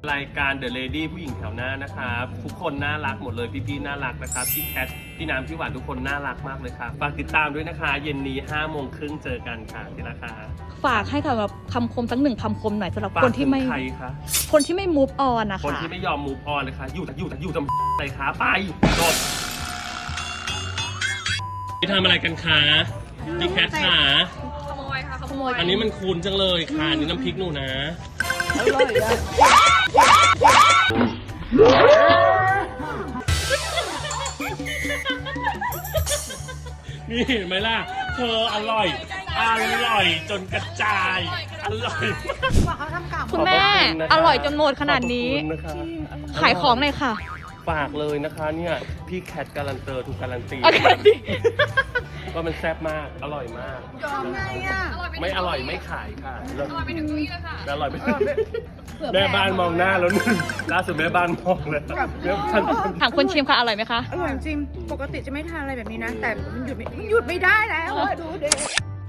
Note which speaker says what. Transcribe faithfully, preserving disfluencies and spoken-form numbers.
Speaker 1: รายการ The Lady ผู้หญิงแถวหน้านะครับทุกคนน่ารักหมดเลยพี่ๆน่ารักนะครับพี่แคทพี่น้ำพี่หวานทุกคนน่ารักมากเลยครับฝากติดตามด้วยนะคะเย็นนี้ห้าโมงครึ่งเจอกันค่ะที่ราคา
Speaker 2: ฝากให้กับคำคมสักหนึ่งคำคมหน่อยสำหรับคนที่ไม่
Speaker 1: ใครคะ
Speaker 2: คนที่ไม่ move on นะคะ
Speaker 1: คนที่ไม่ยอม move on เลยค่ะอยู่อยู่อยู่จำอะไรคะไปจบพี่ทำอะไรกันคะพี่แคทขา
Speaker 2: ขโมยค่ะขโมย
Speaker 1: อันนี้มันคูณจังเลยค่ะนี่น้ำพริกหนูนะ
Speaker 2: อร่อยอะ
Speaker 1: นี่เห็นไหมล่ะเธออร่อยอร่อยจนกระจายอร่อย
Speaker 2: คุณแม่อร่อยจนหมดขนาดนี้ขายของเลยค่ะ
Speaker 1: ฝากเลยนะคะเนี่ยพี่แคทการันเตอร์ถูกการันตีว่ามันแซ่บมากอร่อยมาก
Speaker 3: ยอมไงอ่ะ
Speaker 1: ไม่อร่อยไม่ขายค่ะอร่อยไปถึงนี่แล้วค่ะอร่อยไปแม่บ้านมองหน้าแล้วนึงล่าสุดแม่บ้านมองเลยแม่บ้าน
Speaker 2: ถามคนชิมค่ะอร่อยไหมคะ
Speaker 3: อร่อยจริงปกติจะไม่ทานอะไรแบบนี้นะแต่มันหยุดไม่หยุดไม่ได้แล้วดูเด็ก